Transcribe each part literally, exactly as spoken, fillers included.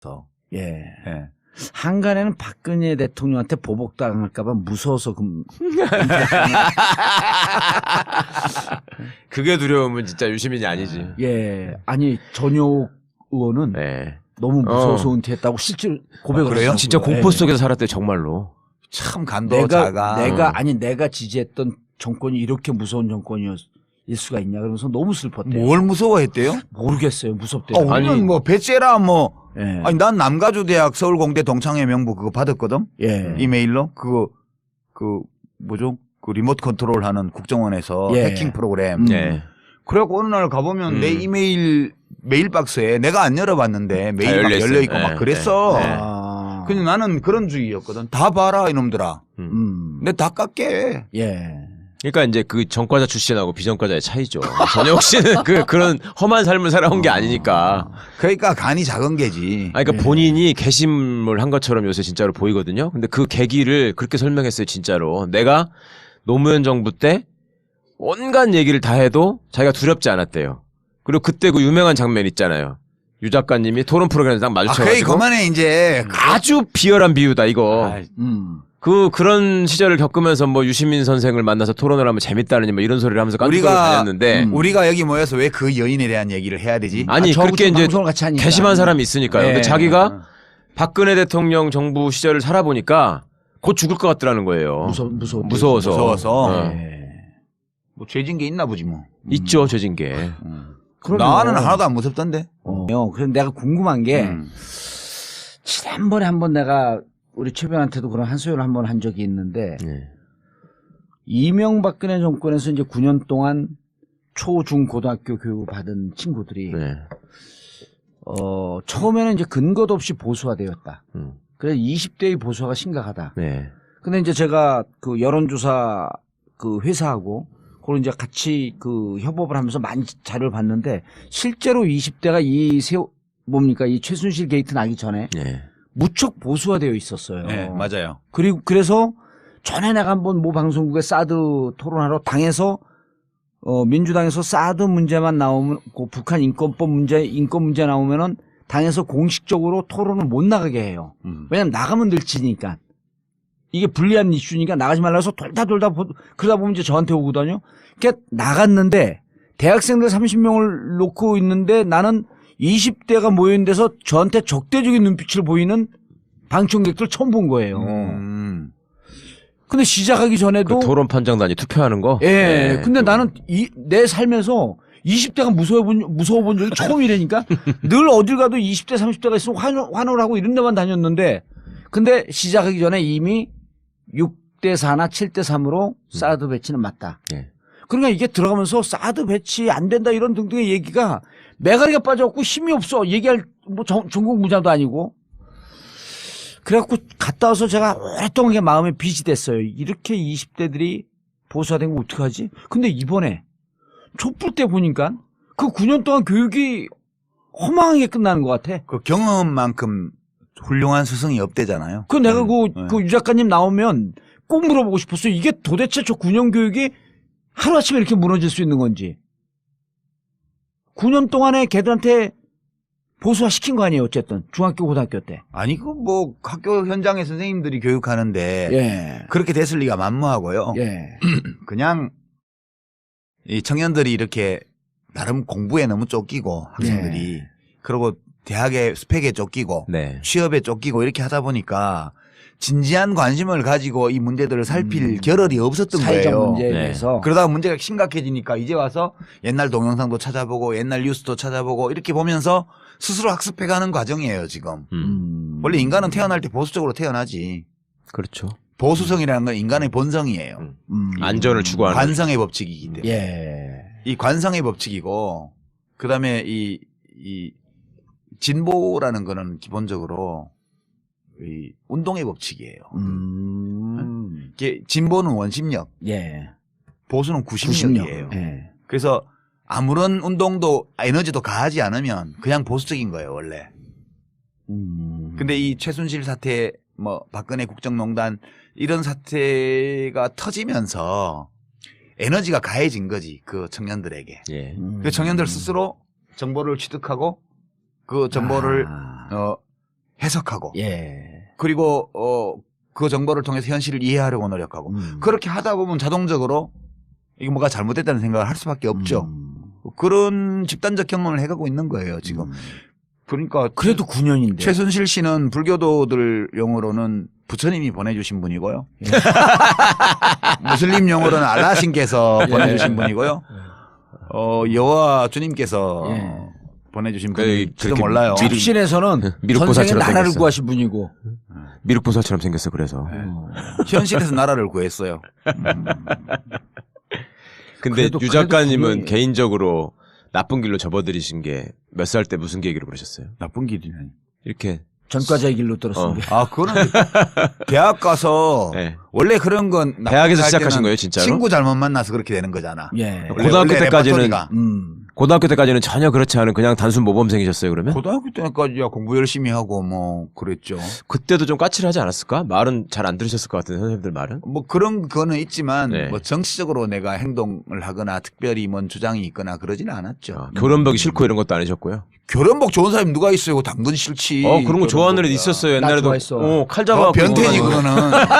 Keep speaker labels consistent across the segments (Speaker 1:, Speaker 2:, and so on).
Speaker 1: 예.
Speaker 2: 예.
Speaker 1: 한간에는 박근혜 대통령한테 보복당할까봐 무서워서 금.
Speaker 3: 그게 두려움은 진짜 유시민이 아니지.
Speaker 1: 예. 아니 전효 의원은
Speaker 3: 네.
Speaker 1: 너무 무서워서
Speaker 3: 어.
Speaker 1: 은퇴했다고 실제로 고백을
Speaker 2: 아, 그래요?
Speaker 1: 하더라고요.
Speaker 3: 진짜 공포
Speaker 1: 예.
Speaker 3: 속에서 살았대 정말로.
Speaker 2: 참 간도
Speaker 1: 내가
Speaker 2: 자가.
Speaker 1: 내가 아니 내가 지지했던 정권이 이렇게 무서운 정권이었을 수가 있냐 그러면서 너무 슬펐대요.
Speaker 2: 뭘 무서워했대요?
Speaker 1: 모르겠어요. 무섭대요.
Speaker 2: 아, 우리는
Speaker 3: 아니.
Speaker 2: 뭐 배째라 뭐
Speaker 1: 예.
Speaker 2: 아니 난 남가주대학 서울공대 동창회 명부 그거 받았거든.
Speaker 1: 예.
Speaker 2: 이메일로 그거 그 뭐죠? 그 리모트 컨트롤하는 국정원에서
Speaker 1: 예.
Speaker 2: 해킹 프로그램.
Speaker 1: 음.
Speaker 3: 네.
Speaker 2: 그래갖고 어느 날 가보면
Speaker 3: 음.
Speaker 2: 내 이메일 메일 박스에 내가 안 열어봤는데 메일이 막
Speaker 3: 열려있어요.
Speaker 2: 열려 있고
Speaker 3: 네.
Speaker 2: 막 그랬어.
Speaker 3: 네.
Speaker 1: 아.
Speaker 2: 근데 나는 그런 주의였거든. 다 봐라 이놈들아.
Speaker 1: 음.
Speaker 2: 내 다 깎게.
Speaker 1: 예.
Speaker 3: 그러니까 이제 그 전과자 출신하고 비전과자의 차이죠. 전혁 씨는 그 그런 험한 삶을 살아온 게 아니니까.
Speaker 2: 그러니까 간이 작은 게지.
Speaker 3: 아니, 그러니까 본인이 개심을 한 것처럼 요새 진짜로 보이거든요. 근데 그 계기를 그렇게 설명했어요, 진짜로. 내가 노무현 정부 때 온갖 얘기를 다 해도 자기가 두렵지 않았대요. 그리고 그때 그 유명한 장면 있잖아요. 유 작가님이 토론 프로그램에서 딱
Speaker 2: 아,
Speaker 3: 마주쳐가지고
Speaker 2: 그래 그만해 이제.
Speaker 3: 아주 비열한 비유다 이거.
Speaker 2: 아,
Speaker 1: 음.
Speaker 3: 그 그런 시절을 겪으면서 뭐 유시민 선생을 만나서 토론을 하면 재밌다느니 뭐 이런 소리를 하면서 깐죽거리고
Speaker 2: 우리가
Speaker 3: 다녔는데
Speaker 1: 음.
Speaker 2: 우리가 여기 모여서 왜 그 여인에 대한 얘기를 해야 되지?
Speaker 3: 아니
Speaker 1: 아,
Speaker 3: 그렇게 이제
Speaker 1: 방송을 같이 하니까.
Speaker 3: 개심한 사람이 있으니까요. 근데
Speaker 1: 예.
Speaker 3: 자기가 박근혜 대통령 정부 시절을 살아보니까 곧 죽을 것 같더라는 거예요.
Speaker 1: 무서 무서워.
Speaker 3: 무서워서.
Speaker 2: 무서워서.
Speaker 3: 어.
Speaker 1: 예.
Speaker 2: 뭐 죄진 게 있나 보지 뭐.
Speaker 3: 있죠, 죄진 게.
Speaker 1: 그럼요.
Speaker 2: 나는 하나도 안 무섭던데.
Speaker 1: 어. 그래서 내가 궁금한 게
Speaker 2: 음.
Speaker 1: 지난번에 한번 내가 우리 최변한테도 그런 한소연을 한번 한 적이 있는데
Speaker 3: 네.
Speaker 1: 이명박근혜 정권에서 이제 구 년 동안 초, 중, 고등학교 교육을 받은 친구들이
Speaker 3: 네.
Speaker 1: 어, 처음에는 이제 근거도 없이 보수화 되었다.
Speaker 3: 음.
Speaker 1: 그래서 이십 대의 보수화가 심각하다.
Speaker 3: 네.
Speaker 1: 근데 이제 제가 그 여론조사 그 회사하고 그걸 이제 같이 그 협업을 하면서 많이 자료를 봤는데 실제로 이십 대가 이 세, 뭡니까 이 최순실 게이트 나기 전에
Speaker 3: 네.
Speaker 1: 무척 보수화되어 있었어요.
Speaker 2: 네, 맞아요.
Speaker 1: 그리고 그래서 전에 내가 한번 모 방송국에 사드 토론하러 당에서 어 민주당에서 사드 문제만 나오면 그 북한 인권법 문제 인권 문제 나오면은 당에서 공식적으로 토론을 못 나가게 해요.
Speaker 2: 음.
Speaker 1: 왜냐면 나가면 늘 지니까. 이게 불리한 이슈니까 나가지 말라 해서 돌다 돌다 보, 그러다 보면 이제 저한테 오거든요. 그러니까 나갔는데 대학생들 삼십 명을 놓고 있는데 나는 이십 대가 모인 데서 저한테 적대적인 눈빛을 보이는 방청객들 처음 본 거예요.
Speaker 2: 음.
Speaker 1: 근데 시작하기 전에도
Speaker 3: 그 토론 판정단이 투표하는 거?
Speaker 1: 예.
Speaker 3: 네,
Speaker 1: 근데
Speaker 3: 그-
Speaker 1: 나는 이, 내 삶에서 이십 대가 무서워 본, 무서워 본 적이 처음이라니까 늘 어딜 가도 이십 대, 삼십 대가 있으면 환호, 환호를 하고 이런 데만 다녔는데 근데 시작하기 전에 이미 육 대 사나 칠 대 삼으로 사드 배치는 맞다.
Speaker 3: 예.
Speaker 1: 그러니까 이게 들어가면서 사드 배치 안 된다 이런 등등의 얘기가 매가리가 빠져갖고 힘이 없어. 얘기할 뭐 전, 전국 무자도 아니고. 그래갖고 갔다 와서 제가 오랫동안 이게 마음에 빚이 됐어요. 이렇게 이십 대들이 보수화된 거 어떡하지? 근데 이번에 촛불 때 보니까 그 구 년 동안 교육이 허망하게 끝나는 것 같아.
Speaker 2: 그 경험만큼 훌륭한 스승이 없대잖아요.
Speaker 1: 그 내가
Speaker 2: 음,
Speaker 1: 그,
Speaker 2: 네.
Speaker 1: 그 유 작가님 나오면 꼭 물어보고 싶었어요. 이게 도대체 저 구 년 교육이 하루아침에 이렇게 무너질 수 있는 건지. 구 년 동안에 걔들한테 보수화 시킨 거 아니에요, 어쨌든. 중학교, 고등학교 때.
Speaker 2: 아니 그 뭐 학교 현장에 선생님들이 교육하는데
Speaker 1: 예.
Speaker 2: 그렇게 됐을 리가 만무하고요.
Speaker 1: 예.
Speaker 2: 그냥 이 청년들이 이렇게 나름 공부에 너무 쫓기고 학생들이
Speaker 1: 예.
Speaker 2: 그리고 대학의 스펙에 쫓기고
Speaker 3: 네.
Speaker 2: 취업에 쫓기고 이렇게 하다 보니까 진지한 관심을 가지고 이 문제들을 살필
Speaker 1: 음.
Speaker 2: 겨를이 없었던
Speaker 1: 사회적
Speaker 2: 거예요.
Speaker 1: 문제에
Speaker 3: 네.
Speaker 1: 대해서.
Speaker 2: 그러다가 문제가 심각해지니까 이제 와서 옛날 동영상도 찾아보고 옛날 뉴스도 찾아보고 이렇게 보면서 스스로 학습해가는 과정이에요 지금.
Speaker 3: 음.
Speaker 1: 음.
Speaker 2: 원래 인간은 태어날 때 보수적으로 태어나지.
Speaker 3: 그렇죠.
Speaker 2: 보수성이라는 건 인간의 본성이에요.
Speaker 3: 음.
Speaker 1: 음.
Speaker 3: 안전을 추구하는.
Speaker 2: 관성의 법칙이기 때문에.
Speaker 1: 예.
Speaker 2: 이 관성의 법칙이고 그다음에 이, 이 진보라는 거는 기본적으로 이 운동의 법칙이에요.
Speaker 1: 음.
Speaker 2: 이게 진보는 원심력,
Speaker 1: 예.
Speaker 2: 보수는 구심력이에요.
Speaker 1: 구십력. 예.
Speaker 2: 그래서 아무런 운동도 에너지도 가하지 않으면 그냥 보수적인 거예요, 원래.
Speaker 1: 음.
Speaker 2: 근데 이 최순실 사태, 뭐 박근혜 국정농단 이런 사태가 터지면서 에너지가 가해진 거지, 그 청년들에게.
Speaker 3: 예.
Speaker 1: 음.
Speaker 2: 그 청년들 스스로 정보를 취득하고 그 정보를
Speaker 1: 아.
Speaker 2: 어 해석하고
Speaker 1: 예.
Speaker 2: 그리고 어, 그 정보를 통해서 현실을 이해하려고 노력하고
Speaker 1: 음.
Speaker 2: 그렇게 하다 보면 자동적으로 이게 뭐가 잘못됐다는 생각을 할 수밖에 없죠.
Speaker 1: 음.
Speaker 2: 그런 집단적 경험을 해가고 있는 거예요 지금.
Speaker 1: 음.
Speaker 2: 그러니까
Speaker 1: 그래도 구 년인데.
Speaker 2: 최순실 씨는 불교도들 용어로는 부처님이 보내주신 분이고요. 무슬림 용어로는 알라신께서
Speaker 1: 예.
Speaker 2: 보내주신 분이고요. 어, 여호와 주님께서
Speaker 1: 예.
Speaker 2: 보내주신
Speaker 3: 그-
Speaker 2: 분일지도
Speaker 3: 그렇게
Speaker 2: 몰라요.
Speaker 3: 미륵-
Speaker 1: 집신에서는
Speaker 3: 미륵보살처럼
Speaker 1: 전생에 나라를
Speaker 3: 생겼어.
Speaker 1: 구하신 분이고.
Speaker 3: 미륵보살처럼 생겼어. 그래서.
Speaker 2: 네.
Speaker 1: 어.
Speaker 2: 현실에서 나라를 구했어요. 음.
Speaker 3: 근데
Speaker 1: 그래도-
Speaker 3: 유
Speaker 1: 그래도
Speaker 3: 작가님은
Speaker 1: 분명히-
Speaker 3: 개인적으로 나쁜 길로 접어들이신 게 몇 살 때 무슨 계기로 그러셨어요?
Speaker 2: 나쁜 길이네.
Speaker 3: 이렇게.
Speaker 1: 전과자의 길로 들었습니다.
Speaker 2: 아, 그거는 대학 가서
Speaker 3: 네.
Speaker 2: 원래 그런 건 나쁜
Speaker 3: 대학에서
Speaker 2: 할
Speaker 3: 시작하신
Speaker 2: 때는
Speaker 3: 거예요, 진짜로?
Speaker 2: 친구 잘못 만나서 그렇게 되는 거잖아.
Speaker 1: 예.
Speaker 2: 원래-
Speaker 3: 고등학교
Speaker 2: 원래
Speaker 3: 때까지는-
Speaker 2: 레퍼토리가.
Speaker 1: 음.
Speaker 3: 고등학교 때까지는 전혀 그렇지 않은 그냥 단순 모범생이셨어요, 그러면?
Speaker 2: 고등학교 때까지야 공부 열심히 하고 뭐 그랬죠.
Speaker 3: 그때도 좀 까칠하지 않았을까? 말은 잘 안 들으셨을 것 같은 선생님들 말은?
Speaker 2: 뭐 그런 거는 있지만
Speaker 3: 네.
Speaker 2: 뭐 정치적으로 내가 행동을 하거나 특별히 뭔 주장이 있거나 그러지는 않았죠.
Speaker 3: 아, 교련복이 싫고 이런 것도 아니셨고요.
Speaker 2: 교련복 좋은 사람이 누가 있어요? 그거 당근 싫지.
Speaker 3: 어, 그런 거 좋아하는 애도
Speaker 2: 교련복이야.
Speaker 3: 있었어요.
Speaker 1: 나
Speaker 3: 옛날에도.
Speaker 1: 좋아했어.
Speaker 3: 어, 칼
Speaker 2: 어,
Speaker 3: 잡아.
Speaker 2: 변태지 그거는.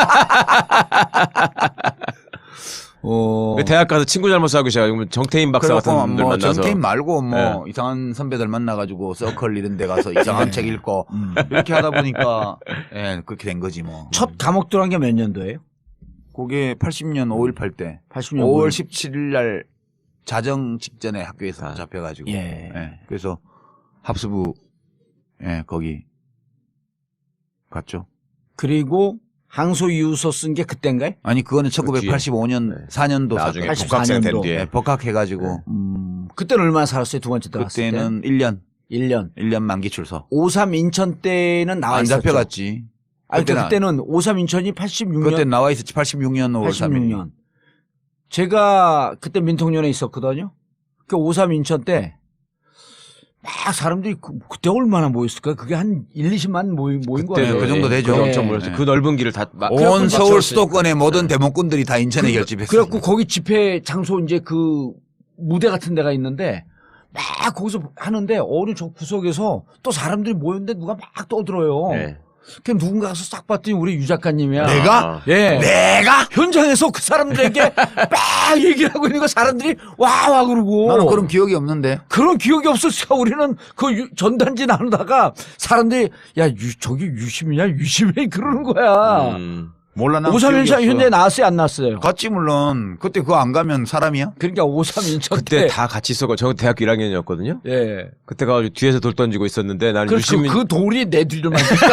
Speaker 1: 어.
Speaker 3: 대학 가서 친구 잘못 사귀고 시작하면 정태인 박사 같은
Speaker 2: 그래갖고
Speaker 3: 분들
Speaker 2: 뭐
Speaker 3: 만나서.
Speaker 2: 전태인 말고 뭐
Speaker 3: 네.
Speaker 2: 이상한 선배들 만나가지고 서클 이런 데 가서 이상한 책 읽고
Speaker 1: 음.
Speaker 2: 이렇게 하다 보니까 예 그렇게 된 거지 뭐.
Speaker 1: 첫 감옥 들어간 게 몇 년도예요?
Speaker 2: 그게 팔십 년 오일팔 때
Speaker 1: 팔십 년.
Speaker 2: 오월 십칠일 날 자정 직전에 학교에서
Speaker 3: 아.
Speaker 2: 잡혀가지고
Speaker 1: 예.
Speaker 2: 예, 그래서 합수부 예 거기 갔죠.
Speaker 1: 그리고 항소 이유서 쓴 게 그때인가요?
Speaker 2: 아니 그거는 천구백팔십오 년
Speaker 3: 네.
Speaker 2: 사 년도
Speaker 3: 나중에
Speaker 2: 사건.
Speaker 3: 복학생 된
Speaker 1: 팔십사 년도.
Speaker 3: 뒤에.
Speaker 2: 예, 복학해가지고
Speaker 1: 음. 그때는 얼마나 살았어요? 두 번째 들어갔을 때?
Speaker 2: 그때는 일 년
Speaker 1: 일 년.
Speaker 2: 일 년 만기 출소.
Speaker 1: 오삼 인천 때는 나와
Speaker 2: 안
Speaker 1: 있었죠.
Speaker 2: 잡혀갔지.
Speaker 1: 아니,
Speaker 2: 그때는
Speaker 1: 그때는 오삼 인천이 팔십육 년.
Speaker 2: 그때 나와 있었지. 팔십육 년 오월 삼 일.
Speaker 1: 팔십육 년. 제가 그때 민통년에 있었거든요. 그 오삼 인천 때 막 사람들이 그, 그때 얼마나 모였을까? 그게 한 일, 이십만 모인, 모인 거예요.
Speaker 2: 그 정도 되죠.
Speaker 3: 그
Speaker 1: 예.
Speaker 3: 엄청 모였죠.
Speaker 2: 네.
Speaker 3: 그 넓은 길을 다. 막-
Speaker 2: 온
Speaker 3: 그래갖고
Speaker 2: 서울
Speaker 3: 맞췄으니까.
Speaker 2: 수도권의 모든 대목군들이 다 인천에 결집했어요.
Speaker 1: 그래갖고 거기 집회 장소 이제 그 무대 같은 데가 있는데 막 거기서 하는데 어느 저 구석에서 또 사람들이 모였는데 누가 막 떠들어요.
Speaker 3: 네.
Speaker 1: 그 누군가 가서 싹 봤더니 우리 유 작가님이야.
Speaker 2: 내가?
Speaker 3: 아.
Speaker 1: 예.
Speaker 2: 내가?
Speaker 1: 현장에서 그 사람들에게 막 얘기를 하고 있는 거 사람들이 와와 그러고.
Speaker 2: 나는 그런 기억이 없는데.
Speaker 1: 그런 기억이 없었어. 우리는 그 유- 전단지 나누다가 사람들이 야 유, 저기 유심이냐 유심해 그러는 거야.
Speaker 3: 음.
Speaker 2: 몰라 나.
Speaker 1: 오삼 인천 현대 나왔어요 안 나왔어요?
Speaker 2: 갔지 물론. 그때 그거 안 가면 사람이야?
Speaker 1: 그러니까 오삼 인천
Speaker 3: 그때
Speaker 1: 때.
Speaker 3: 다 같이 있었고, 저 대학교 일 학년이었거든요.
Speaker 1: 예.
Speaker 3: 그때 가가지고 뒤에서 돌 던지고 있었는데 나는
Speaker 1: 그,
Speaker 3: 유시민.
Speaker 1: 그, 그 돌이 내 뒤를 만들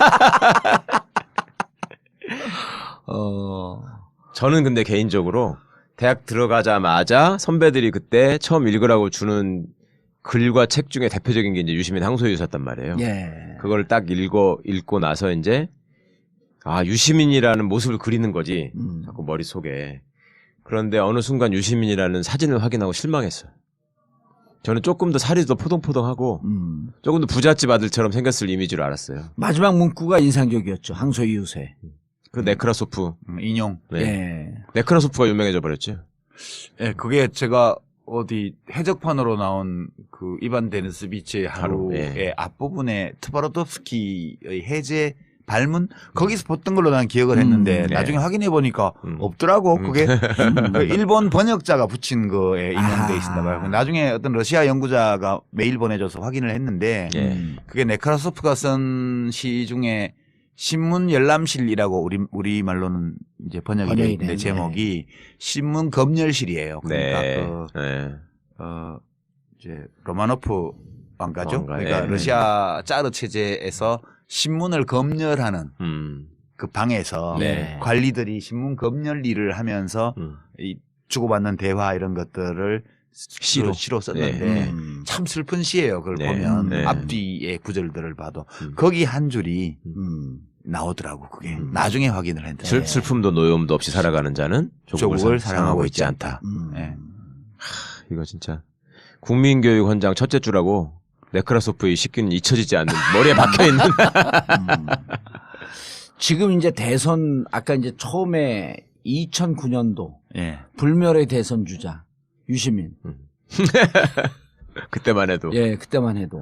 Speaker 1: 어.
Speaker 3: 저는 근데 개인적으로 대학 들어가자마자 선배들이 그때 처음 읽으라고 주는 글과 책 중에 대표적인 게 이제 유시민 항소유서였단 말이에요.
Speaker 1: 예.
Speaker 3: 그걸 딱 읽고 읽고 나서 이제 아 유시민이라는 모습을 그리는 거지.
Speaker 1: 음.
Speaker 3: 자꾸 머릿속에. 그런데 어느 순간 유시민이라는 사진을 확인하고 실망했어요. 저는 조금 더 살이 더 포동포동하고
Speaker 1: 음.
Speaker 3: 조금 더 부잣집 아들처럼 생겼을 이미지로 알았어요.
Speaker 1: 마지막 문구가 인상적이었죠. 항소 이웃에.
Speaker 3: 그 네크라소프.
Speaker 2: 음, 인용.
Speaker 3: 네.
Speaker 1: 예.
Speaker 3: 네크라소프가 유명해져 버렸죠.
Speaker 2: 예, 그게 제가 어디 해적판으로 나온 그 이반 데니스비치의
Speaker 3: 하루,
Speaker 2: 하루의
Speaker 3: 예.
Speaker 2: 앞부분에 트바로tov스키의 해제 발문 거기서 봤던 걸로 난 기억을 했는데
Speaker 1: 음,
Speaker 3: 네.
Speaker 2: 나중에 확인해 보니까
Speaker 3: 음.
Speaker 2: 없더라고.
Speaker 3: 음.
Speaker 2: 그게 그 일본 번역자가 붙인 거에 인용돼 있었나 봐요.
Speaker 1: 아.
Speaker 2: 나중에 어떤 러시아 연구자가 메일 보내줘서 확인을 했는데
Speaker 3: 예.
Speaker 1: 음.
Speaker 2: 그게 네크라소프가 쓴 시 중에 신문 열람실이라고 우리 우리 말로는 이제 번역이
Speaker 1: 번역이
Speaker 2: 되어 있는데
Speaker 1: 되네.
Speaker 2: 제목이 신문 검열실이에요. 그러니까
Speaker 3: 네.
Speaker 2: 그
Speaker 3: 네.
Speaker 2: 어 이제 로마노프 왕가죠.
Speaker 3: 왕가,
Speaker 2: 그러니까
Speaker 3: 예.
Speaker 2: 러시아 짜르 체제에서 신문을 검열하는
Speaker 3: 음.
Speaker 2: 그 방에서
Speaker 3: 네.
Speaker 2: 관리들이 신문 검열 일을 하면서
Speaker 3: 음.
Speaker 2: 이 주고받는 대화 이런 것들을
Speaker 3: 시로.
Speaker 2: 시로 썼는데
Speaker 3: 네.
Speaker 1: 음.
Speaker 2: 참 슬픈 시예요. 그걸
Speaker 3: 네.
Speaker 2: 보면
Speaker 3: 네.
Speaker 2: 앞뒤의 구절들을 봐도
Speaker 3: 음.
Speaker 2: 거기 한 줄이
Speaker 1: 음.
Speaker 2: 나오더라고. 그게
Speaker 3: 음.
Speaker 2: 나중에 확인을 했는데
Speaker 3: 슬, 슬픔도 노여움도 없이 살아가는 자는 조국을,
Speaker 2: 조국을
Speaker 3: 사-
Speaker 2: 사랑하고 있지 않다.
Speaker 1: 음.
Speaker 2: 네.
Speaker 3: 이거 진짜 국민교육 헌장 첫째 주라고 네크라소프의 시기는 잊혀지지 않는 머리에 박혀 있는.
Speaker 1: 음. 지금 이제 대선 아까 이제 처음에 이천구 년도
Speaker 2: 예.
Speaker 1: 불멸의 대선 주자 유시민.
Speaker 3: 그때만 해도.
Speaker 1: 예, 그때만 해도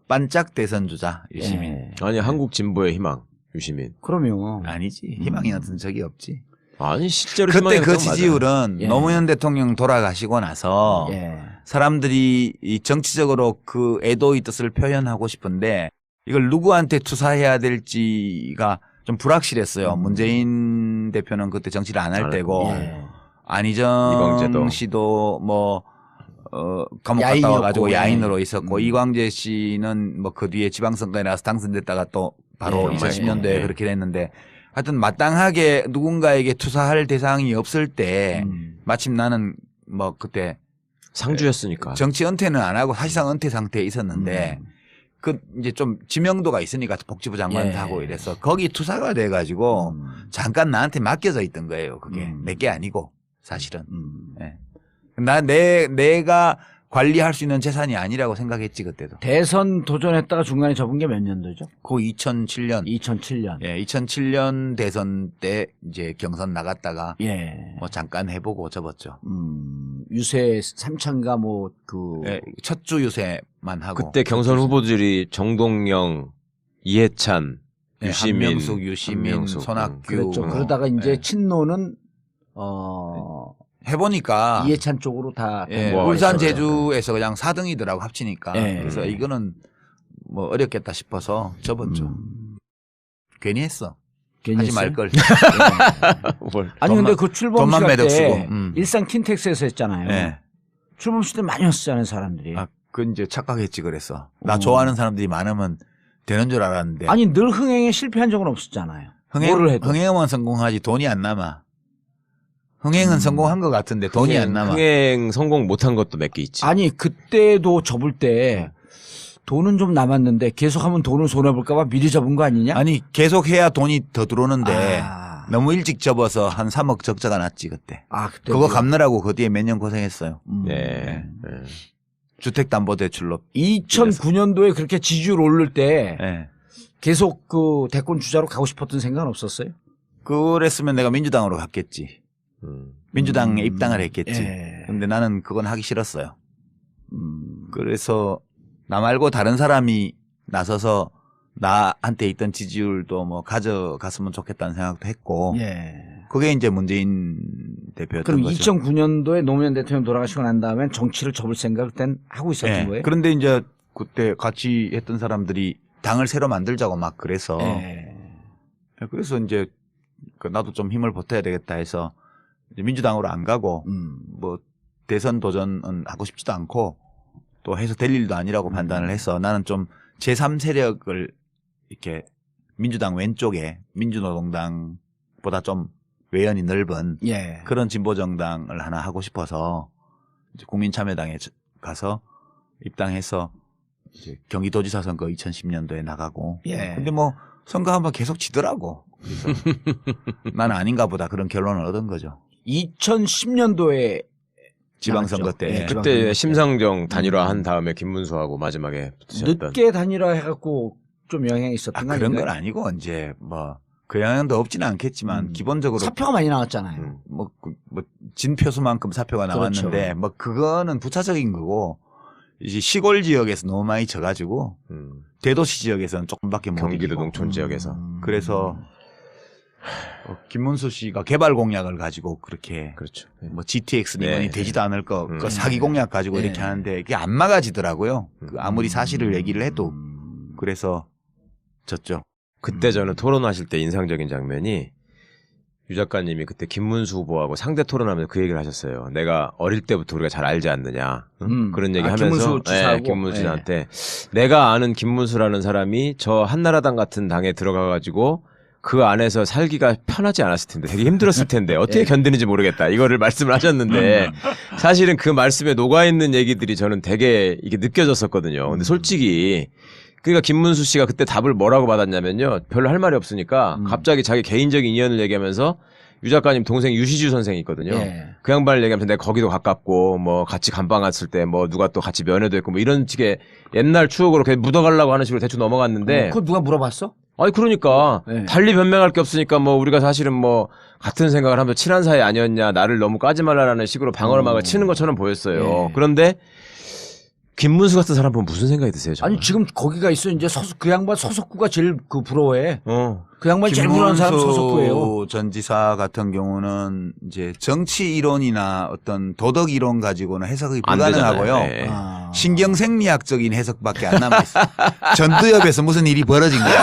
Speaker 2: 반짝 대선 주자 유시민.
Speaker 1: 예.
Speaker 3: 아니 한국 진보의 희망 유시민.
Speaker 1: 그럼요.
Speaker 2: 아니지. 희망이 같은 적이 없지.
Speaker 3: 아니 실제로
Speaker 2: 그때
Speaker 3: 희망이
Speaker 2: 그
Speaker 3: 없다고
Speaker 2: 지지율은
Speaker 1: 예.
Speaker 2: 노무현 대통령 돌아가시고 나서
Speaker 1: 예.
Speaker 2: 사람들이 이 정치적으로 그 애도의 뜻을 표현하고 싶은데 이걸 누구한테 투사해야 될지가 좀 불확실했어요.
Speaker 1: 음.
Speaker 2: 문재인 대표는 그때 정치를 안 할
Speaker 3: 안
Speaker 2: 때고
Speaker 1: 예.
Speaker 2: 안희정
Speaker 3: 이광재도.
Speaker 2: 씨도 뭐 어, 감옥 갔다
Speaker 1: 야인이었고,
Speaker 2: 와가지고
Speaker 1: 예.
Speaker 2: 야인으로 있었고
Speaker 1: 음.
Speaker 2: 이광재 씨는 뭐 그 뒤에 지방선거에 나가서 당선됐다가 또 바로
Speaker 1: 예,
Speaker 2: 이천십 년도에
Speaker 3: 예.
Speaker 2: 그렇게 됐는데 하여튼 마땅하게 누군가에게 투사할 대상이 없을 때
Speaker 1: 음.
Speaker 2: 마침 나는 뭐 그때
Speaker 3: 상주였으니까.
Speaker 2: 정치 은퇴는 안 하고 사실상 은퇴 상태에 있었는데
Speaker 1: 음.
Speaker 2: 그 이제 좀 지명도가 있으니까 복지부 장관도
Speaker 1: 예.
Speaker 2: 하고 이래서 거기 투사가 돼가지고
Speaker 1: 음.
Speaker 2: 잠깐 나한테 맡겨져 있던 거예요. 그게
Speaker 1: 음.
Speaker 2: 내게 아니고 사실은.
Speaker 1: 음.
Speaker 2: 예. 나 내 내가 관리할 수 있는 재산이 아니라고 생각했지 그때도.
Speaker 1: 대선 도전했다가 중간에 접은 게 몇 년도죠?
Speaker 2: 그 이천칠 년.
Speaker 1: 이천칠 년.
Speaker 2: 예, 이천칠 년 대선 때 이제 경선 나갔다가
Speaker 1: 예.
Speaker 2: 뭐 잠깐 해보고 접었죠.
Speaker 1: 음, 유세 삼천가 뭐 그
Speaker 2: 예, 첫 주 유세만 하고.
Speaker 3: 그때 경선 후보들이 정동영, 이해찬,
Speaker 2: 예,
Speaker 3: 유시민,
Speaker 2: 한명숙, 유시민,
Speaker 3: 한명숙,
Speaker 2: 손학규.
Speaker 1: 그랬죠.
Speaker 2: 뭐.
Speaker 1: 그러다가 이제
Speaker 2: 예.
Speaker 1: 친노는 어
Speaker 2: 해보니까
Speaker 1: 이해찬 쪽으로 다
Speaker 2: 예,
Speaker 3: 뭐
Speaker 2: 울산
Speaker 3: 있어요.
Speaker 2: 제주에서 그냥 사 등이더라고 합치니까.
Speaker 1: 예.
Speaker 2: 그래서 이거는 뭐 어렵겠다 싶어서 접었죠.
Speaker 1: 음,
Speaker 2: 괜히 했어.
Speaker 1: 괜히
Speaker 2: 하지
Speaker 1: 했어요?
Speaker 2: 말 걸.
Speaker 3: 뭘.
Speaker 1: 아니
Speaker 2: 돈만-
Speaker 1: 근데 그 출범
Speaker 2: 돈만
Speaker 1: 시간
Speaker 2: 매덕
Speaker 1: 때
Speaker 2: 쓰고, 음.
Speaker 1: 일산 킨텍스에서 했잖아요.
Speaker 2: 예.
Speaker 1: 출범 시대 많이 왔었잖아요 사람들이.
Speaker 2: 아, 그 이제 착각했지 그랬어. 나
Speaker 1: 어.
Speaker 2: 좋아하는 사람들이 많으면 되는 줄 알았는데.
Speaker 1: 아니 늘 흥행에 실패한 적은 없었잖아요.
Speaker 2: 흥행,
Speaker 1: 뭐를 해도.
Speaker 2: 흥행은 성공하지 돈이 안 남아. 흥행은
Speaker 1: 음.
Speaker 2: 성공한 것 같은데 돈이 안 남아.
Speaker 3: 흥행 성공 못한 것도 몇 개 있지.
Speaker 1: 아니 그때도 접을 때 돈은 좀 남았는데 계속하면 돈을 손해 볼까봐 미리 접은 거 아니냐?
Speaker 2: 아니 계속 해야 돈이 더 들어오는데
Speaker 1: 아,
Speaker 2: 너무 일찍 접어서 한 삼억 적자가 났지 그때.
Speaker 1: 아 그때
Speaker 2: 그거 갚느라고 그 뒤에 몇 년 고생했어요.
Speaker 1: 음.
Speaker 3: 네. 네.
Speaker 2: 주택담보대출로.
Speaker 1: 이천구 년도에 그렇게 지지율 오를 때
Speaker 2: 예.
Speaker 1: 계속 그 대권 주자로 가고 싶었던 생각은 없었어요?
Speaker 2: 그랬으면 내가 민주당으로 갔겠지.
Speaker 3: 음.
Speaker 2: 민주당에
Speaker 1: 음.
Speaker 2: 입당을 했겠지.
Speaker 1: 예.
Speaker 2: 근데 나는 그건 하기 싫었어요.
Speaker 1: 음.
Speaker 2: 그래서 나 말고 다른 사람이 나서서 나한테 있던 지지율도 뭐 가져갔으면 좋겠다는 생각도 했고
Speaker 1: 예.
Speaker 2: 그게 이제 문재인 대표였던
Speaker 1: 그럼
Speaker 2: 거죠.
Speaker 1: 이천구 년도에 노무현 대통령 돌아가시고 난 다음엔 정치를 접을 생각을 땐 하고 있었던
Speaker 2: 예.
Speaker 1: 거예요?
Speaker 2: 그런데 이제 그때 같이 했던 사람들이 당을 새로 만들자고 막 그래서
Speaker 1: 예.
Speaker 2: 그래서 이제 그 나도 좀 힘을 보태야 되겠다 해서 이제 민주당으로 안 가고
Speaker 1: 음.
Speaker 2: 뭐 대선 도전은 하고 싶지도 않고 또 해서 될 일도 아니라고
Speaker 1: 음.
Speaker 2: 판단을 해서 나는 좀 제삼 세력을 이렇게 민주당 왼쪽에 민주노동당보다 좀 외연이 넓은
Speaker 1: 예.
Speaker 2: 그런 진보정당을 하나 하고 싶어서 이제 국민참여당에 가서 입당해서 이제 경기도지사 선거 이천십 년도에 나가고
Speaker 1: 예.
Speaker 2: 근데 뭐 선거 한번 계속 지더라고. 그래서 나는 아닌가 보다 그런 결론을 얻은 거죠.
Speaker 1: 이천십 년도에
Speaker 2: 지방선거
Speaker 1: 나갔죠.
Speaker 2: 때.
Speaker 1: 예, 지방선거
Speaker 3: 그때
Speaker 1: 때.
Speaker 3: 심상정 단일화한 다음에 김문수하고 마지막에 붙으셨던.
Speaker 1: 늦게 단일화 해갖고 좀 영향이 있었던
Speaker 2: 아,
Speaker 1: 거
Speaker 2: 그런
Speaker 1: 아닌가요?
Speaker 2: 건 아니고 이제 뭐 그 영향도 없지는 않겠지만
Speaker 1: 음.
Speaker 2: 기본적으로
Speaker 1: 사표가 많이 나왔잖아요.
Speaker 3: 음.
Speaker 2: 뭐, 그, 뭐 진표수만큼 사표가
Speaker 1: 그렇죠.
Speaker 2: 나왔는데 뭐 그거는 부차적인 거고 이제 시골 지역에서 너무 많이 져가지고
Speaker 3: 음.
Speaker 2: 대도시 지역에서는 조금밖에 못
Speaker 3: 경기도
Speaker 2: 이기고.
Speaker 3: 농촌 지역에서.
Speaker 1: 음.
Speaker 2: 그래서 어, 김문수 씨가 개발 공약을 가지고 그렇게
Speaker 3: 그렇죠. 네.
Speaker 2: 뭐 지티엑스 미만이
Speaker 3: 네.
Speaker 2: 되지도 않을 거,
Speaker 3: 음.
Speaker 2: 그 사기 공약 가지고
Speaker 1: 네.
Speaker 2: 이렇게 하는데 이게 안 막아지더라고요. 그 아무리 사실을 얘기를 해도
Speaker 1: 음.
Speaker 2: 그래서 졌죠.
Speaker 3: 그때 저는 토론하실 때 인상적인 장면이 유 작가님이 그때 김문수 후보하고 상대 토론하면서 그 얘기를 하셨어요. 내가 어릴 때부터 우리가 잘 알지 않느냐. 응?
Speaker 1: 음.
Speaker 3: 그런 얘기
Speaker 1: 아,
Speaker 3: 하면서
Speaker 1: 김문수 지사하고?
Speaker 3: 예, 김문수 씨한테 내가 아는 김문수라는 사람이 저 한나라당 같은 당에 들어가가지고 그 안에서 살기가 편하지 않았을 텐데 되게 힘들었을 텐데 어떻게
Speaker 1: 예.
Speaker 3: 견디는지 모르겠다. 이거를 말씀을 하셨는데 사실은 그 말씀에 녹아있는 얘기들이 저는 되게 이게 느껴졌었거든요. 근데 솔직히 그러니까 김문수 씨가 그때 답을 뭐라고 받았냐면요. 별로 할 말이 없으니까
Speaker 1: 음.
Speaker 3: 갑자기 자기 개인적인 인연을 얘기하면서 유 작가님 동생 유시주 선생이 있거든요.
Speaker 1: 예.
Speaker 3: 그 양반을 얘기하면서 내가 거기도 가깝고 뭐 같이 감방 갔을 때 뭐 누가 또 같이 면회도 했고 뭐 이런 식의 옛날 추억으로 그냥 묻어가려고 하는 식으로 대충 넘어갔는데
Speaker 1: 어, 그거 누가 물어봤어?
Speaker 3: 아니 그러니까
Speaker 1: 네.
Speaker 3: 달리 변명할 게 없으니까 뭐 우리가 사실은 뭐 같은 생각을 하면서 친한 사이 아니었냐 나를 너무 까지 말라라는 식으로 방어막을
Speaker 1: 어.
Speaker 3: 치는 것처럼 보였어요.
Speaker 1: 예.
Speaker 3: 그런데 김문수 같은 사람 보면 무슨 생각이 드세요? 정말?
Speaker 1: 아니 지금 거기가 있어 이제 서석 그 양반 서석구가 제일 그 부러워해.
Speaker 3: 어.
Speaker 1: 그 양반이 제일 부러워하는 사람 서석구예요.
Speaker 2: 김문수 전 지사 같은 경우는 이제 정치 이론이나 어떤 도덕 이론 가지고는 해석이
Speaker 3: 안
Speaker 2: 불가능하고요.
Speaker 3: 되잖아요. 네.
Speaker 1: 아.
Speaker 2: 신경생리학적인 해석밖에 안 남아 있어요. 전두엽에서 무슨 일이 벌어진 거야.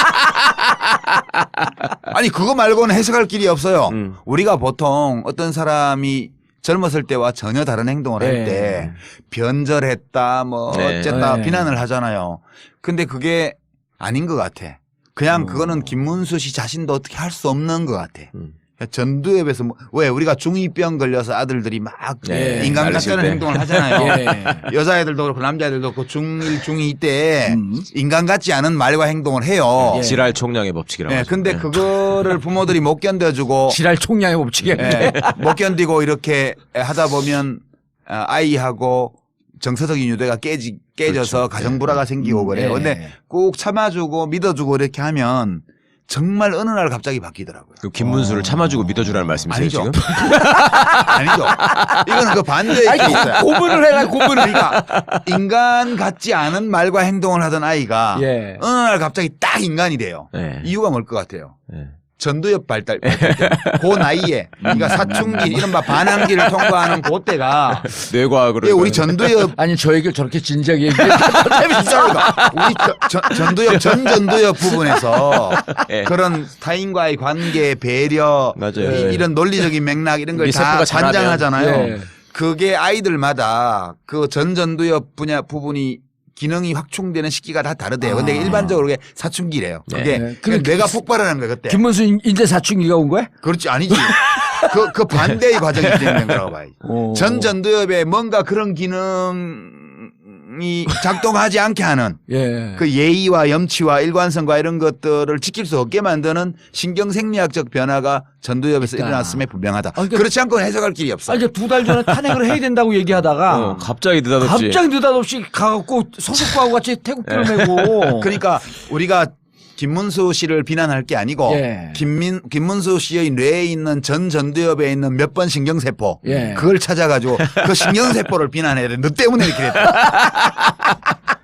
Speaker 2: 아니 그거 말고는 해석할 길이 없어요.
Speaker 3: 음.
Speaker 2: 우리가 보통 어떤 사람이 젊었을 때와 전혀 다른 행동을 할
Speaker 1: 네.
Speaker 2: 때 변절했다 뭐
Speaker 3: 네.
Speaker 2: 어쨌다
Speaker 1: 네.
Speaker 2: 비난을 하잖아요. 근데 그게 아닌 것 같아. 그냥
Speaker 1: 음.
Speaker 2: 그거는 김문수 씨 자신도 어떻게 할 수 없는 것 같아.
Speaker 3: 음.
Speaker 2: 전두엽에서 뭐, 왜 우리가 중이병 걸려서 아들들이 막
Speaker 3: 네.
Speaker 2: 인간
Speaker 3: 날리실
Speaker 2: 같다는
Speaker 3: 때.
Speaker 2: 행동을 하잖아요.
Speaker 1: 예.
Speaker 2: 여자애들도 그렇고 남자애들도 그렇고 중일 중이 때
Speaker 1: 음.
Speaker 2: 인간 같지 않은 말과 행동을 해요.
Speaker 1: 예.
Speaker 3: 지랄 총량의 법칙이라고
Speaker 2: 예,
Speaker 3: 하죠.
Speaker 2: 근데
Speaker 3: 네.
Speaker 2: 그거를 부모들이 못 견뎌주고
Speaker 1: 지랄 총량의 법칙이었는데.
Speaker 2: 예, 못 견디고 이렇게 하다 보면 아, 아이하고 정서적인 유대가 깨지, 깨져서
Speaker 3: 그렇죠.
Speaker 2: 가정불화가 생기고
Speaker 1: 음,
Speaker 2: 그래요.
Speaker 1: 예.
Speaker 2: 근데 꼭 참아주고 믿어주고 이렇게 하면 정말 어느 날 갑자기 바뀌더라고요.
Speaker 3: 그 김문수를 참아주고 믿어주라는 말씀이세요
Speaker 2: 아니죠.
Speaker 3: 지금?
Speaker 2: 아니죠. 이거는 그 반대의
Speaker 1: 아니
Speaker 2: 케이스야.
Speaker 1: 고문을 해라 고문을.
Speaker 2: 그러니까 인간 같지 않은 말과 행동을 하던 아이가
Speaker 1: 예.
Speaker 2: 어느 날 갑자기 딱 인간이 돼요.
Speaker 3: 네.
Speaker 2: 이유가 뭘 것 같아요?
Speaker 3: 네.
Speaker 2: 전두엽 발달, 발달 때. 그 나이에 그러니까 사춘기 이른바 반항기를 통과하는 그때가
Speaker 3: 뇌과학으로.
Speaker 2: 예, 우리 전두엽
Speaker 1: 아니 저 얘기를 저렇게 진지하게 얘기해.
Speaker 2: 진짜로다. 우리 저, 저, 전두엽 전 전두엽 부분에서
Speaker 3: 예.
Speaker 2: 그런 타인과의 관계, 배려,
Speaker 3: 맞아요.
Speaker 2: 이, 이런 논리적인 맥락 이런 걸
Speaker 3: 우리
Speaker 2: 다
Speaker 3: 세포가 자라면.
Speaker 2: 관장하잖아요.
Speaker 1: 예.
Speaker 2: 그게 아이들마다 그 전 전두엽 분야 부분이 기능이 확충되는 시기가 다 다르대요. 근데
Speaker 1: 아.
Speaker 2: 일반적으로 그게 사춘기래요. 그게
Speaker 1: 네.
Speaker 2: 그게
Speaker 1: 그-
Speaker 2: 뇌가 폭발하는 거예요 그때.
Speaker 1: 김문수 인- 인제 사춘기가 온 거야?
Speaker 2: 그렇지 아니지. 그, 그 반대의 과정이 진행된 거라고 봐야지.
Speaker 1: 오.
Speaker 2: 전 전두엽에 뭔가 그런 기능이 작동하지 않게 하는
Speaker 1: 예.
Speaker 2: 그 예의와 염치와 일관성과 이런 것들을 지킬 수 없게 만드는 신경생리학적 변화가 전두엽에서
Speaker 1: 있다.
Speaker 2: 일어났음에 분명하다.
Speaker 1: 아, 그러니까-
Speaker 2: 그렇지 않고는 해석할 길이 없어.
Speaker 1: 아 이제 두 달 전에 탄핵을 해야 된다고 얘기하다가
Speaker 3: 어, 갑자기 느닷없이.
Speaker 1: 갑자기 느닷없이 가갖고 서석구하고 같이 태국기를 메고.
Speaker 2: 그러니까 우리가 김문수 씨를 비난할 게 아니고
Speaker 1: 예.
Speaker 2: 김민 김문수 씨의 뇌에 있는 전 전두엽에 있는 몇 번 신경세포
Speaker 1: 예.
Speaker 2: 그걸 찾아가지고 그 신경세포를 비난해야 돼. 너 때문에 이렇게 됐다.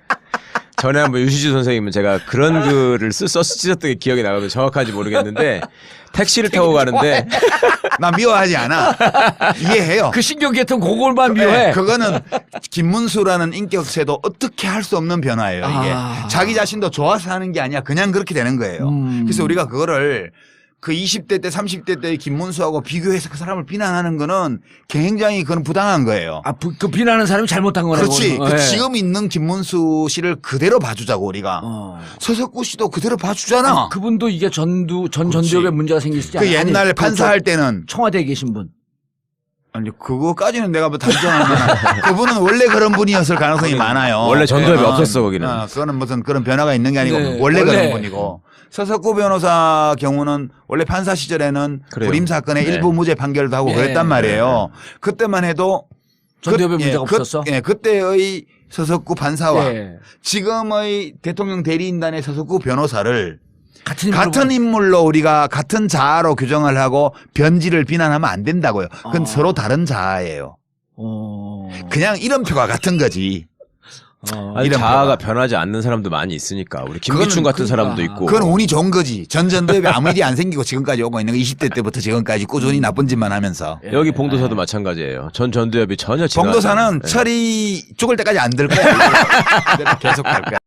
Speaker 3: 전에 한번 유시주 선생님은 제가 그런 글을 쓰, 써 쓰셨던 게 기억이 나거든요. 정확한지 모르겠는데 택시를 타고 가는데
Speaker 2: 나 미워하지 않아. 이해해요.
Speaker 1: 그 신경계통 그걸만 미워해.
Speaker 2: 네, 그거는 김문수라는 인격체도 어떻게 할 수 없는 변화예요. 이게
Speaker 1: 아.
Speaker 2: 자기 자신도 좋아서 하는 게 아니야. 그냥 그렇게 되는 거예요.
Speaker 1: 음.
Speaker 2: 그래서 우리가 그거를 그 이십 대 때 삼십 대 때의 김문수하고 비교해서 그 사람을 비난하는 거는 굉장히 그건 부당한 거예요.
Speaker 1: 아, 부- 그 비난하는 사람이 잘못한 거라고.
Speaker 2: 그렇지.
Speaker 1: 그거는.
Speaker 2: 그
Speaker 1: 예.
Speaker 2: 지금 있는 김문수 씨를 그대로 봐주자고 우리가.
Speaker 1: 어.
Speaker 2: 서석구 씨도 그대로 봐주잖아.
Speaker 1: 아, 그분도 이게 전두 전
Speaker 2: 그렇지.
Speaker 1: 전두엽에 문제가 생기시지
Speaker 2: 그
Speaker 1: 않아요?
Speaker 2: 옛날
Speaker 1: 아니,
Speaker 2: 판사할
Speaker 1: 그
Speaker 2: 때는
Speaker 1: 저- 청와대에 계신 분.
Speaker 2: 아니 그거까지는 내가 뭐 단정하면 그분은 원래 그런 분이었을 가능성이 많아요.
Speaker 3: 원래 전두엽이
Speaker 2: 어,
Speaker 3: 없었어, 거기는.
Speaker 2: 어, 그거는 무슨 그런 변화가 있는 게 아니고
Speaker 1: 네,
Speaker 2: 원래,
Speaker 1: 원래.
Speaker 2: 그런 분이고 서석구 변호사 경우는 원래 판사 시절에는
Speaker 3: 그래요.
Speaker 2: 불임 사건의
Speaker 3: 네.
Speaker 2: 일부 무죄 판결도 하고
Speaker 1: 예.
Speaker 2: 그랬단 말이에요. 그때만 해도
Speaker 1: 전두엽에
Speaker 2: 그-
Speaker 1: 문제가
Speaker 2: 그-
Speaker 1: 없었어?
Speaker 2: 예, 그때의 서석구 판사와
Speaker 1: 예.
Speaker 2: 지금의 대통령 대리인단의 서석구 변호사를
Speaker 1: 같은 인물로
Speaker 2: 같은
Speaker 1: 봐-
Speaker 2: 인물로 우리가 같은 자아로 규정을 하고 변질을 비난하면 안 된다고요. 그건
Speaker 1: 어.
Speaker 2: 서로 다른 자아예요.
Speaker 1: 어.
Speaker 2: 그냥 이름표가 같은 거지.
Speaker 1: 어.
Speaker 3: 아니,
Speaker 2: 이런
Speaker 3: 자아가
Speaker 2: 표가.
Speaker 3: 변하지 않는 사람도 많이 있으니까 우리 김기춘
Speaker 2: 그거는
Speaker 3: 같은
Speaker 1: 그러니까.
Speaker 3: 사람도 있고.
Speaker 2: 그건 운이 좋은 거지. 전 전두엽에 아무 일이 안 생기고 지금까지 오고 있는 거 이십 대 때부터 지금까지 꾸준히 나쁜 짓만 하면서.
Speaker 1: 예.
Speaker 3: 여기 봉도사도 마찬가지예요. 전 전두엽이 전혀 지나가지
Speaker 2: 봉도사는
Speaker 3: 않아요. 예.
Speaker 2: 철이 죽을 때까지 안 들 거야. 그대로 계속 갈 거야.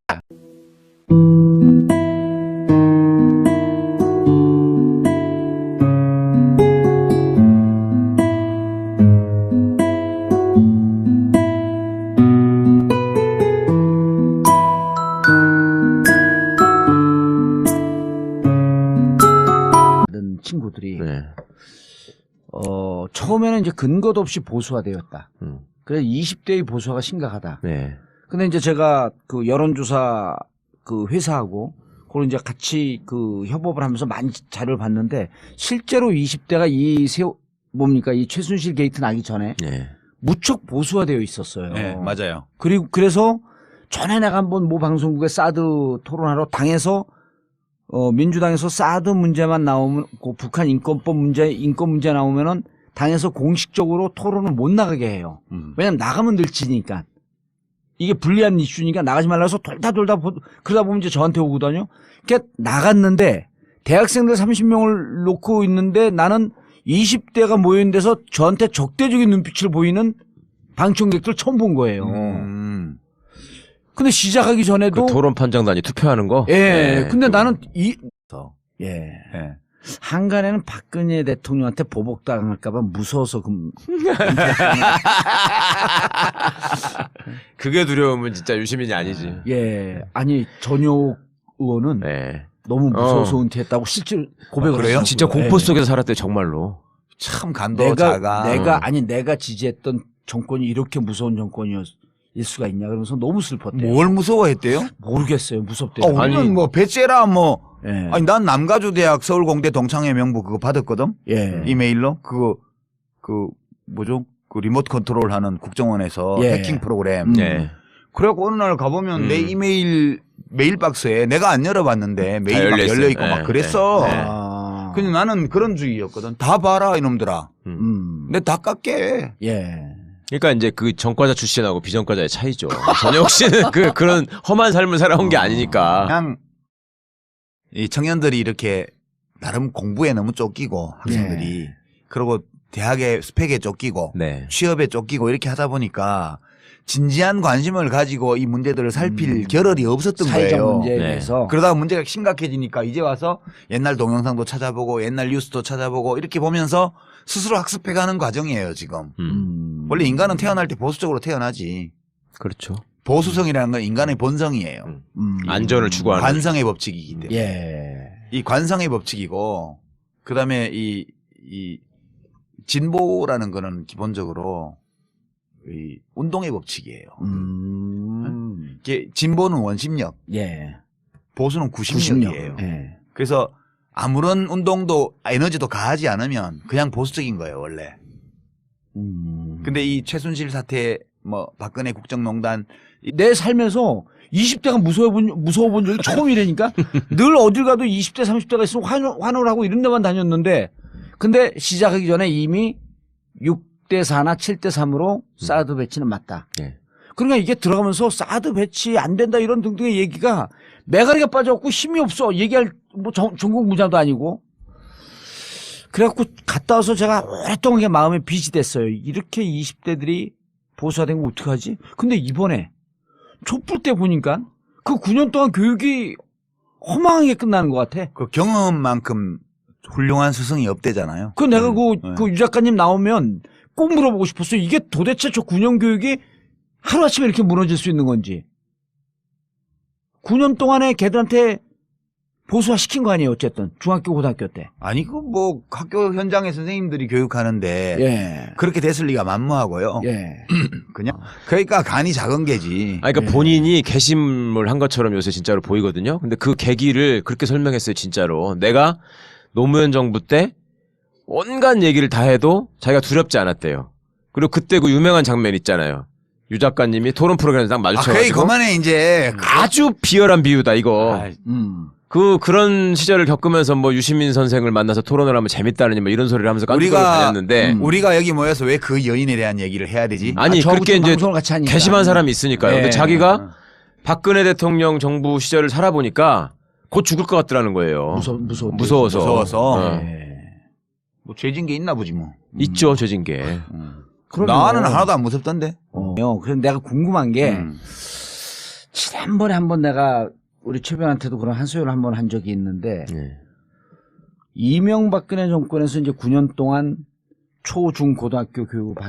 Speaker 1: 다른 친구들이
Speaker 3: 네.
Speaker 1: 어, 처음에는 이제 근거도 없이 보수화 되었다.
Speaker 3: 음.
Speaker 1: 그래서 이십 대의 보수화가 심각하다.
Speaker 3: 네.
Speaker 1: 근데 이제 제가 그 여론조사 그 회사하고 그걸 이제 같이 그 협업을 하면서 많이 자료를 봤는데 실제로 이십 대가 이 세호 뭡니까 이 최순실 게이트 나기 전에
Speaker 3: 네.
Speaker 1: 무척 보수화되어 있었어요.
Speaker 2: 네, 맞아요.
Speaker 1: 그리고 그래서 전에 내가 한번 모 방송국에 사드 토론하러 당에서 어 민주당에서 사드 문제만 나오면 그 북한 인권법 문제 인권 문제 나오면은 당에서 공식적으로 토론을 못 나가게 해요.
Speaker 2: 음.
Speaker 1: 왜냐면 나가면 늘 지니까. 이게 불리한 이슈니까 나가지 말라 해서 돌다 돌다 보, 그러다 보면 이제 저한테 오거든요. 그러니까 나갔는데 대학생들 삼십 명을 놓고 있는데 나는 이십 대가 모인 데서 저한테 적대적인 눈빛을 보이는 방청객들 처음 본 거예요.
Speaker 2: 음.
Speaker 1: 근데 시작하기 전에도
Speaker 3: 그 토론 판정단이 투표하는 거.
Speaker 1: 예.
Speaker 3: 네.
Speaker 1: 근데 나는 이
Speaker 2: 더.
Speaker 1: 예.
Speaker 2: 예.
Speaker 1: 한간에는 박근혜 대통령한테 보복당할까봐 무서워서 그
Speaker 3: 그게 두려우면 진짜 유시민이 아니지.
Speaker 1: 예. 아니 전효 의원은
Speaker 3: 네.
Speaker 1: 너무 무서워서
Speaker 3: 어.
Speaker 1: 은퇴했다고 실제로 고백을
Speaker 2: 아, 그래요?
Speaker 1: 하셨어요.
Speaker 3: 진짜 공포
Speaker 1: 예.
Speaker 3: 속에서 살았대 정말로.
Speaker 2: 참 간도
Speaker 1: 내가
Speaker 2: 자가.
Speaker 1: 내가 아니 내가 지지했던 정권이 이렇게 무서운 정권이었을 수가 있냐 그러면서 너무 슬펐대요.
Speaker 2: 뭘 무서워했대요?
Speaker 1: 모르겠어요. 무섭대요.
Speaker 2: 아, 우리는
Speaker 3: 아니.
Speaker 2: 뭐 배째라 뭐.
Speaker 1: 예.
Speaker 2: 아니 난 남가주대학 서울공대 동창회 명부 그거 받았거든.
Speaker 1: 예.
Speaker 2: 이메일로 그거 그 뭐죠? 그 리모트 컨트롤하는 국정원에서
Speaker 1: 예.
Speaker 2: 해킹 프로그램.
Speaker 1: 음.
Speaker 3: 네.
Speaker 2: 그래갖고 어느 날 가보면
Speaker 3: 음.
Speaker 2: 내 이메일 메일 박스에 내가 안 열어봤는데 메일 막
Speaker 3: 열려있어요.
Speaker 2: 열려 있고
Speaker 3: 네.
Speaker 2: 막 그랬어.
Speaker 3: 네.
Speaker 1: 아.
Speaker 2: 근데 나는 그런 주의였거든. 다 봐라 이놈들아.
Speaker 1: 음.
Speaker 2: 근데 다 깎게.
Speaker 1: 예.
Speaker 3: 그러니까 이제 그 전과자 출신하고 비전과자의 차이죠. 전혁 씨는 그 그런 험한 삶을 살아온 게 아니니까.
Speaker 2: 그냥 이 청년들이 이렇게 나름 공부에 너무 쫓기고 학생들이 그리고 대학의 스펙에 쫓기고
Speaker 3: 네.
Speaker 2: 취업에 쫓기고 이렇게 하다 보니까 진지한 관심을 가지고 이 문제들을 살필
Speaker 1: 음.
Speaker 2: 겨를이 없었던
Speaker 1: 사회적
Speaker 2: 거예요.
Speaker 1: 문제에
Speaker 3: 네.
Speaker 1: 대해서
Speaker 2: 그러다가 문제가 심각해지니까 이제 와서 옛날 동영상도 찾아보고 옛날 뉴스도 찾아보고 이렇게 보면서 스스로 학습해가는 과정이에요 지금.
Speaker 3: 음.
Speaker 1: 음.
Speaker 2: 원래 인간은 태어날 때 보수적으로 태어나지.
Speaker 3: 그렇죠.
Speaker 2: 보수성이라는 건 인간의 본성이에요.
Speaker 3: 음.
Speaker 1: 음.
Speaker 3: 안전을 추구하는.
Speaker 2: 관성의 법칙이기 때문에.
Speaker 1: 예.
Speaker 2: 이 관성의 법칙이고 그다음에 이, 이 진보라는 거는 기본적으로 이 운동의 법칙이에요.
Speaker 1: 음.
Speaker 2: 이게 진보는 원심력,
Speaker 1: 예.
Speaker 2: 보수는 구심력이에요.
Speaker 1: 예.
Speaker 2: 그래서 아무런 운동도 에너지도 가하지 않으면 그냥 보수적인 거예요, 원래.
Speaker 1: 음.
Speaker 2: 근데 이 최순실 사태, 뭐 박근혜 국정농단
Speaker 1: 내 살면서 이십 대가 무서워 본, 무서워 본 적이 처음이라니까? 늘 어딜 가도 이십 대, 삼십 대가 있으면 환호, 환호를 하고 이런 데만 다녔는데, 근데 시작하기 전에 이미 육 대 사나 칠 대 삼으로 사드 배치는 맞다.
Speaker 3: 예.
Speaker 1: 그러니까 이게 들어가면서 사드 배치 안 된다 이런 등등의 얘기가 매가리가 빠져갖고 힘이 없어. 얘기할 뭐 전, 전국 무장도 아니고. 그래갖고 갔다 와서 제가 오랫동안 그게 마음에 빚이 됐어요. 이렇게 이십 대들이 보수화된 거 어떡하지? 근데 이번에 촛불 때 보니까 그 구 년 동안 교육이 허망하게 끝나는 것 같아.
Speaker 2: 그 경험만큼 훌륭한 스승이 없대잖아요.
Speaker 1: 그 내가 그,
Speaker 2: 네.
Speaker 1: 그 유 작가님 나오면 꼭 물어보고 싶었어요. 이게 도대체 저 구 년 교육이 하루아침에 이렇게 무너질 수 있는 건지. 구 년 동안에 걔들한테 보수화 시킨 거 아니에요, 어쨌든. 중학교, 고등학교 때.
Speaker 2: 아니 그 뭐 학교 현장의 선생님들이 교육하는데
Speaker 1: 예.
Speaker 2: 그렇게 됐을 리가 만무하고요.
Speaker 1: 예.
Speaker 2: 그냥 그러니까 간이 작은 게지.
Speaker 3: 아, 그러니까
Speaker 1: 예.
Speaker 3: 본인이 개심을 한 것처럼 요새 진짜로 보이거든요. 근데 그 계기를 그렇게 설명했어요, 진짜로. 내가 노무현 정부 때 온갖 얘기를 다 해도 자기가 두렵지 않았대요. 그리고 그때 그 유명한 장면 있잖아요. 유 작가님이 토론 프로그램에 딱
Speaker 2: 아, 거의
Speaker 3: 마주쳐가지고
Speaker 2: 그만해 이제.
Speaker 3: 아주 비열한 비유다 이거.
Speaker 2: 아,
Speaker 1: 음.
Speaker 3: 그 그런 시절을 겪으면서 뭐 유시민 선생을 만나서 토론을 하면 재밌다느니 뭐 이런 소리를 하면서 깐죽거리고
Speaker 2: 우리가
Speaker 3: 다녔는데
Speaker 1: 음.
Speaker 2: 우리가 여기 모여서 왜 그 여인에 대한 얘기를 해야 되지?
Speaker 3: 아니
Speaker 1: 아, 저하고
Speaker 3: 그렇게
Speaker 1: 좀
Speaker 3: 이제
Speaker 1: 방송을 같이 하니까.
Speaker 3: 개심한 사람이 있으니까요.
Speaker 1: 예.
Speaker 3: 근데 자기가 박근혜 대통령 정부 시절을 살아보니까 곧 죽을 것 같더라는 거예요.
Speaker 1: 무서, 무서워.
Speaker 3: 무서워서.
Speaker 2: 무서워서.
Speaker 3: 어.
Speaker 1: 예.
Speaker 2: 뭐 죄진 게 있나 보지 뭐.
Speaker 3: 있죠, 죄진 게.
Speaker 2: 음.
Speaker 1: 그럼요.
Speaker 2: 나는 하나도 안 무섭던데.
Speaker 1: 어. 그래서 내가 궁금한 게,
Speaker 2: 음.
Speaker 1: 지난번에 한번 내가 우리 최변한테도 그런 한 소연을 한번 한 적이 있는데,
Speaker 3: 예.
Speaker 1: 이명박근혜 정권에서 이제 구 년 동안 초, 중, 고등학교 교육을 받